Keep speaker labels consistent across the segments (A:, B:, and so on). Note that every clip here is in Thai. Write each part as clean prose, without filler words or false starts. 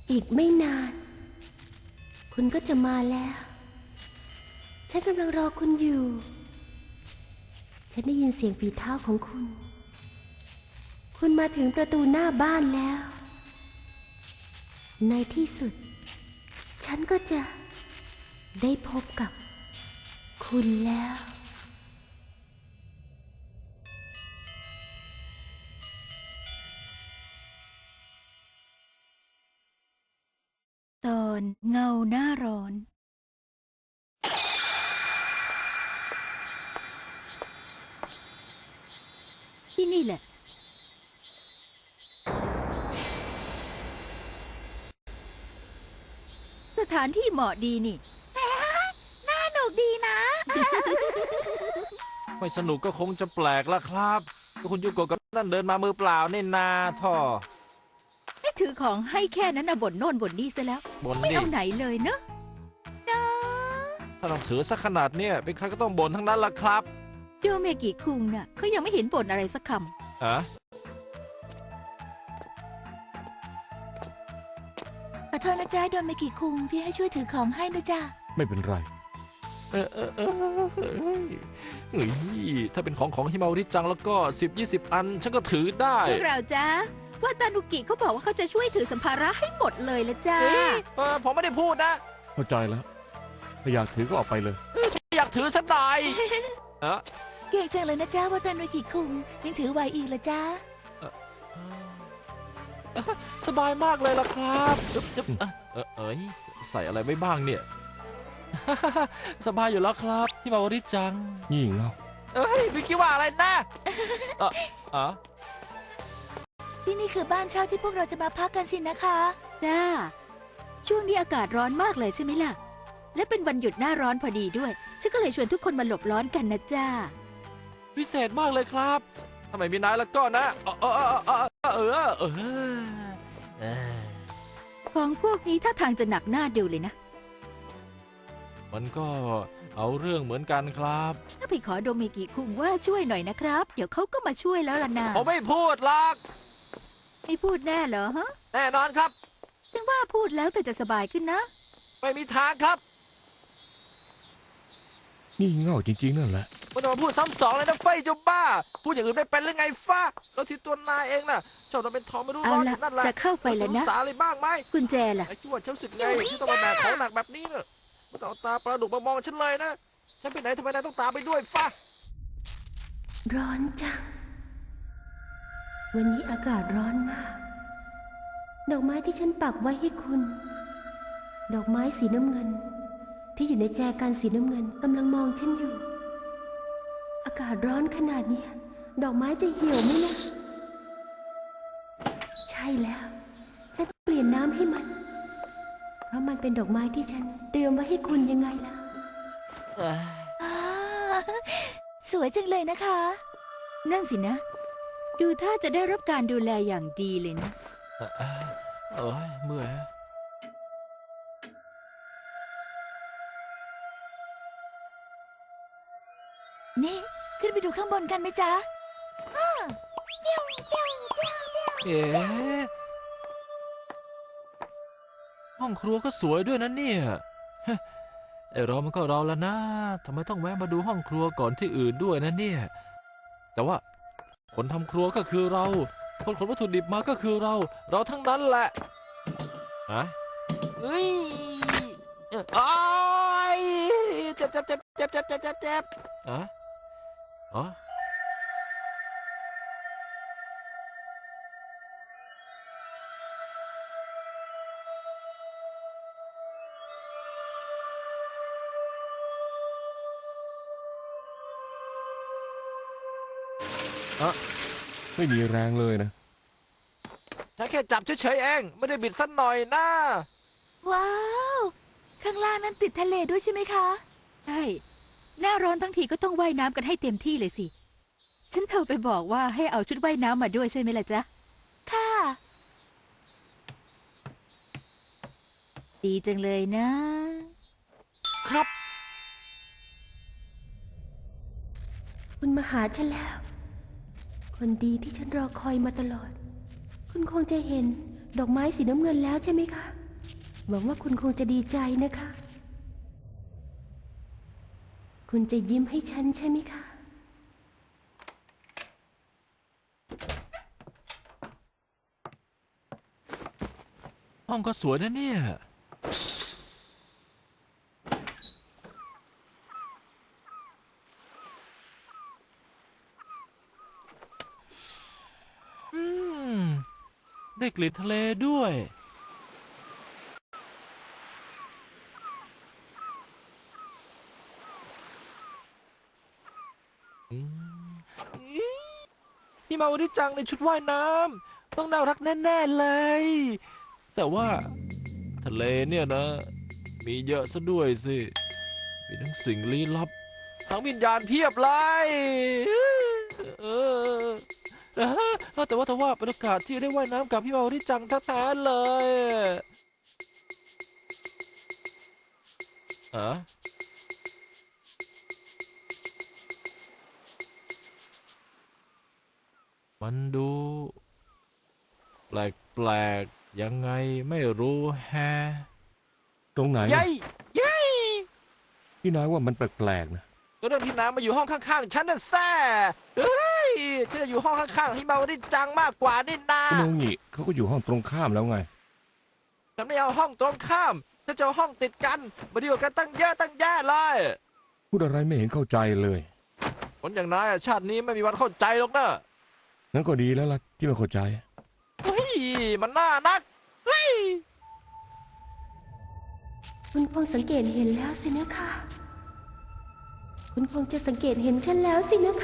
A: อีกไม่นานคุณก็จะมาแล้วฉันกำลังรอคุณอยู่ฉันได้ยินเสียงฝีเท้าของคุณคุณมาถึงประตูหน้าบ้านแล้วในที่สุดฉันก็จะได้พบกับคุณแล้ว
B: ตอนเงาหน้าร้อนที่นี่แหละสถานที่เหมาะดีนี่น่าหนุกดีนะ
C: ไม่สนุกก็คงจะแปลกละครับก็คุณยูโกะกับนั่นเดินมามือเปล่านี่นาท่อ
B: ให้ถือของให้แค่นั้นนะบ่นโน่นบ่นนี่ซะแล้ว
C: บ่น
B: ไม่
C: ดิ
B: เอาไหนเลยเนอะ
C: ถ้าต้องถือสักขนาดเนี่ยเป็นใครก็ต้องบ่นทั้งนั้นละครับ
B: โยเมกิคุงน่ะเขายังไม่เห็นบ่นอะไรสักค
C: อะ
B: ำขอโทษนะจ๊ะโดเมกิคุงที่ให้ช่วยถือของให้นะจ๊ะ
D: ไม่เป็นไร
C: เฮ้ยถ้าเป็นของฮิมาวริจังแล้วก็10-20 อันฉันก็ถือได้
B: พวกเราจ๊ะว่าตานุกิเขาบอกว่าเขาจะช่วยถือสัมภาระให้หมดเลยละจ้า
C: ผมไม่ได้พูดนะ
D: เข้าใจแล้ว ถ้าอยากถือก็ออกไปเลย
C: อยากถือสักหน่อยเออ
B: เก่งจังเลยนะจ๊ะว่าตานุกิคุงยังถือไหวอีกละจ้า
C: สบายมากเลยล่ะครับเอ้ยใส่อะไรไว้บ้างเนี่ย สบายอยู่แล้วครับฮิมาวริจัง
D: งี่เง่า
C: เอ้ยไม่คิดว่าอะไรนะอ๋อ
B: ที่นี่คือบ้านเช่าที่พวกเราจะมาพักกันสินะคะจ้าช่วงนี้อากาศร้อนมากเลยใช่ไหมล่ะและเป็นวันหยุดหน้าร้อนพอดีด้วยฉันก็เลยชวนทุกคนมาหลบร้อนกันนะจ้า
C: พิเศษมากเลยครับทำไมมีนายแล้วก็นะ
B: ของพวกนี้ถ้าทางจะหนักหน้าดูเลยนะ
C: มันก็เอาเรื่องเหมือนกันครับ
B: ถ้าไปขอโดเมกิคุงว่าช่วยหน่อยนะครับ เดี๋ยวเขาก็มาช่วยแล้วล่ะนะ
C: ผมไม่พูดหรอก
B: ไม่พูดแน่เหรอฮะ
C: แน่นอนครับ
B: ฉันว่าพูดแล้วแต่จะสบายขึ้นนะ
C: ไม่มีทางครับ
D: งี่เง่าจริงๆนั่นแหละ
C: ไม่ต้องมาพูดซ้ำสองเลยนะเฟยเจ้าบ้า พูดอย่างอื่นไม่เป็นหรือไงฟ้าแล้วที่ตัวนายเองน่ะชอบทำเป็นทองไม่รู้
B: เอา
C: ร้อนอ
B: ละ
C: ยู่นั่นแหละ
B: จะเข้าไปแล้วนะ
C: สงสารอะไรบ้างไหม
B: กุญแจล่ะ
C: ไอ้ที่ว่าฉันรู้สึกไงที่ต้องมาแบกของหนักแบบนี้เนอะไม่ต้องเอาตาปลาดุกมามองฉันเลยนะฉันไปไหนทำไมนายต้องตามไปด้วยฟ้า
A: ร้อนจังวันนี้อากาศร้อนมากดอกไม้ที่ฉันปักไว้ให้คุณ ดอกไม้สีน้ำเงิน ที่อยู่ในแจกันสีน้ำเงินกำลังมองฉันอยู่ อากาศร้อนขนาดนี้ดอกไม้จะเหี่ยวไหมนะใช่แล้วฉันเปลี่ยนน้ำให้มันเพราะมันเป็นดอกไม้ที่ฉันเตรียมไว้ให้คุณยังไงล่ะ
B: สวยจังเลยนะคะ นั่นสินะ ดูท่าจะได้รับการดูแลอย่างดีเลยนะ
C: เอ้ยเมื่อย
B: นี่ขึ้นไปดูข้างบนกันไหมจ๊ะ
C: เอ๊ะห้องครัวก็สวยด้วยนะเนี่ยฮะไอเรามันก็เราแล้วนะทำไมต้องแวะมาดูห้องครัวก่อนที่อื่นด้วยนะเนี่ยแต่ว่าคนทำครัวก็คือเราคนขนวัตถุดิบมาก็คือเราทั้งนั้นแหละฮะเฮ้ยอ้ายเจ็บอะอ๋อ
D: ไม่มีแรงเลยนะ
C: ฉันแค่จับเฉยๆเองไม่ได้บิดสักหน่อยนะ
B: ว้าว ข้างล่างนั้นติดทะเลด้วยใช่ไหมคะ ใช่ หน้าร้อนทั้งทีก็ต้องว่ายน้ำกันให้เต็มที่เลยสิ ฉันโทรไปบอกว่าให้เอาชุดว่ายน้ำมาด้วยใช่ไหมล่ะจ๊ะ ค่ะ ดีจังเลยนะ
C: ครับ
A: คุณมาหาฉันแล้ว คนดีที่ฉันรอคอยมาตลอด คุณคงจะเห็นดอกไม้สีน้ำเงินแล้วใช่ไหมคะหวังว่าคุณคงจะดีใจนะคะ คุณจะยิ้มให้ฉันใช่ไหมคะ
C: ห้องก็สวยนะเนี่ย อืม ได้กลิ่นทะเลด้วย อืมอี๋พี่มาวันนี้จังในชุดว่ายน้ำต้องน่ารักแน่ๆเลย แต่ว่าทะเลเนี่ยนะ มีเยอะซะด้วยสิ มีทั้งสิ่งลี้ลับ ทั้งวิญญาณเพียบเลยเออแต่ว่าบรรยากาศที่ได้ว่ายน้ำกับพี่มาวันนี้จังแท้ๆเลยอะมันดูแปลกๆยังไงไม่รู้แฮะ
D: ตรงไหน
C: ยัยยัย
D: พี่นายว่ามันแปลกๆนะ
C: ก็เรื่องที่น้ำมาอยู่ห้องข้างๆฉันน่ะแซ่เฮ้ยฉันจะอยู่ห้องข้างๆให้มาวันนี้จังมากกว่านี่นา
D: คุณโนงิเขาก็อยู่ห้องตรงข้ามแล้วไง
C: ฉันไม่เอาห้องตรงข้ามฉันจะเอาห้องติดกันมาดีกว่ากันตั้งเยอะตั้งแยะเลย
D: พูดอะไรไม่เห็นเข้าใจเลย
C: คนอย่างนายอะชาตินี้ไม่มีวันเข้าใจหรอกนะ
D: งั้นก็ดีแล้วล่ะที่ไม่เข้าใจ
C: เฮ้ยมันน่านักเฮ้ย
A: คุณคงสังเกตเห็นแล้วสินะคะ คุณคงจะสังเกตเห็นฉันแล้วสินะคะ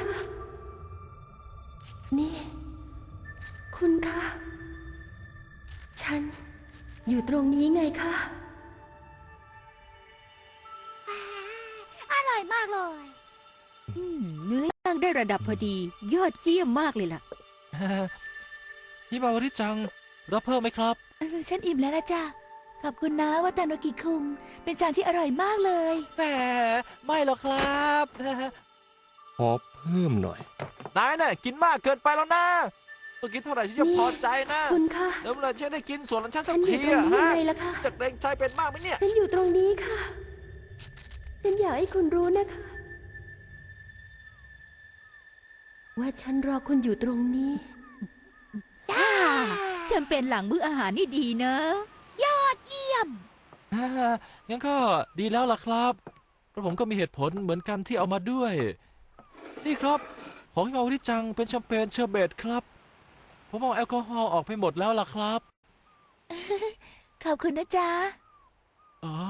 A: นี่ คุณคะ ฉันอยู่ตรงนี้ไงคะ
B: อร่อยมากเลยเนื้อย่างได้ระดับพอดี ยอดเยี่ยมมากเลยล่ะ
C: พี่มาวันนี้จังรับเพิ่มไหมครับ
B: ฉันอิ่มแล้วละจ้ะขอบคุณนะวัตาโนกิคุงเป็นจานที่อร่อยมากเลย
C: แหมไม่หรอกครับ
D: ขอเพิ่มหน่อย
C: นายน่ะกินมากเกินไปแล้วนะต้องกินเท่าไหร่ฉันจะ
A: นี่
C: พอใจนะ
A: คุณคะ
C: แล้วเมื่อไหรฉันได้กินส่วนของฉันสั
A: ฉั
C: ก
A: นอยู่
C: ที
A: ตรง
C: อะ
A: นี้ยัง
C: ฮะ
A: ไงล่ะคะ
C: จะเกรงใจเป็นมากไหมเนี่ย
A: ฉันอยู่ตรงนี้ค่ะ ฉันอยากให้คุณรู้นะคะ ว่าฉันรอคุณอยู่ตรงนี้
B: จ้าฉันเป็นหลังมื้ออาหารนี่ดีเนอะยอดเยี่ยม
C: งั้นก็ดีแล้วล่ะครับเพราะผมก็มีเหตุผลเหมือนกันที่เอามาด้วย นี่ครับ ของที่มาวันนี้จังเป็นแชมเปญเชอร์เบตครับ ผมเอาแอลกอฮอล์ออกไปหมดแล้วล่ะครับ
B: ขอบคุณนะจ๊ะ
C: อ๋อ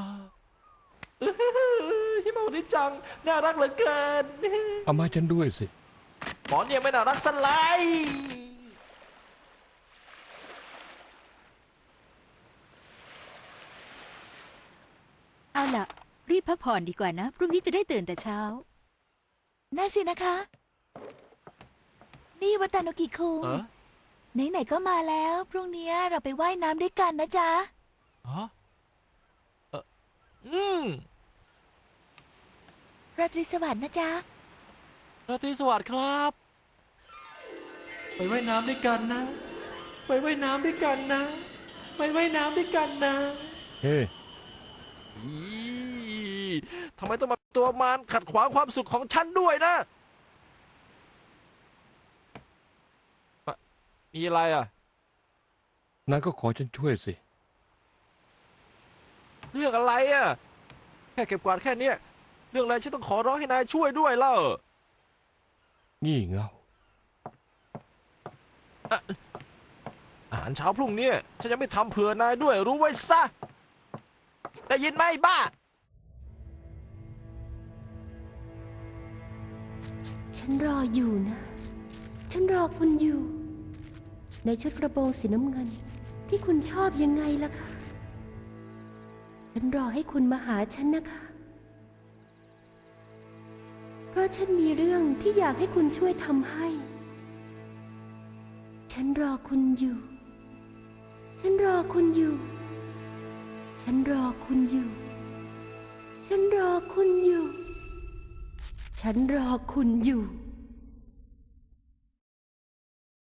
C: ที่มาวันนี้จังน่ารักเหลือเกิน
D: เอามาฉันด้วยสิ
C: หมอเนี่ยไม่น่ารักสลาย
B: เอาล่ะ รีบพักผ่อนดีกว่านะ พรุ่งนี้จะได้ตื่นแต่เช้า น่าสินะคะ นี่วัตาโนกิคุง
C: เออ
B: ไหนๆก็มาแล้ว พรุ่งนี้เราไปว่ายน้ำด้วยกันนะจ๊ะ
C: ฮะอืม
B: ราตรีสวัสดิ์นะจ๊ะ
C: ราตรีสวัสดิ์ครับ ไปว่ายน้ำด้วยกันนะ ไปว่ายน้ำด้วยกันนะ ไปว่ายน้ำด้วยกันนะ
D: เฮ้
C: อีทำไมต้องมาเป็นตัวมารขัดขวางความสุขของฉันด้วยนะมีอะไรอ่ะ
D: นายก็ขอฉันช่วยสิ
C: เรื่องอะไรอ่ะ แค่เก็บกวาดแค่เนี้ยเรื่องอะไรฉันต้องขอร้องให้นายช่วยด้วยเล่า
D: งี่เง่า
C: อาหารเช้าพรุ่งนี้ฉันจะไม่ทำเผื่อนายด้วยรู้ไว้ซะ ได้ยินไหมบ้า
A: ฉันรออยู่นะ ฉันรอคุณอยู่ ในชุดกระโปรงสีน้ำเงิน ที่คุณชอบยังไงล่ะคะ ฉันรอให้คุณมาหาฉันนะคะ เพราะฉันมีเรื่องที่อยากให้คุณช่วยทำให้ ฉันรอคุณอยู่ ฉันรอคุณอยู่ ฉันรอคุณอยู่ ฉันรอคุณอยู่ ฉันรอคุณอยู่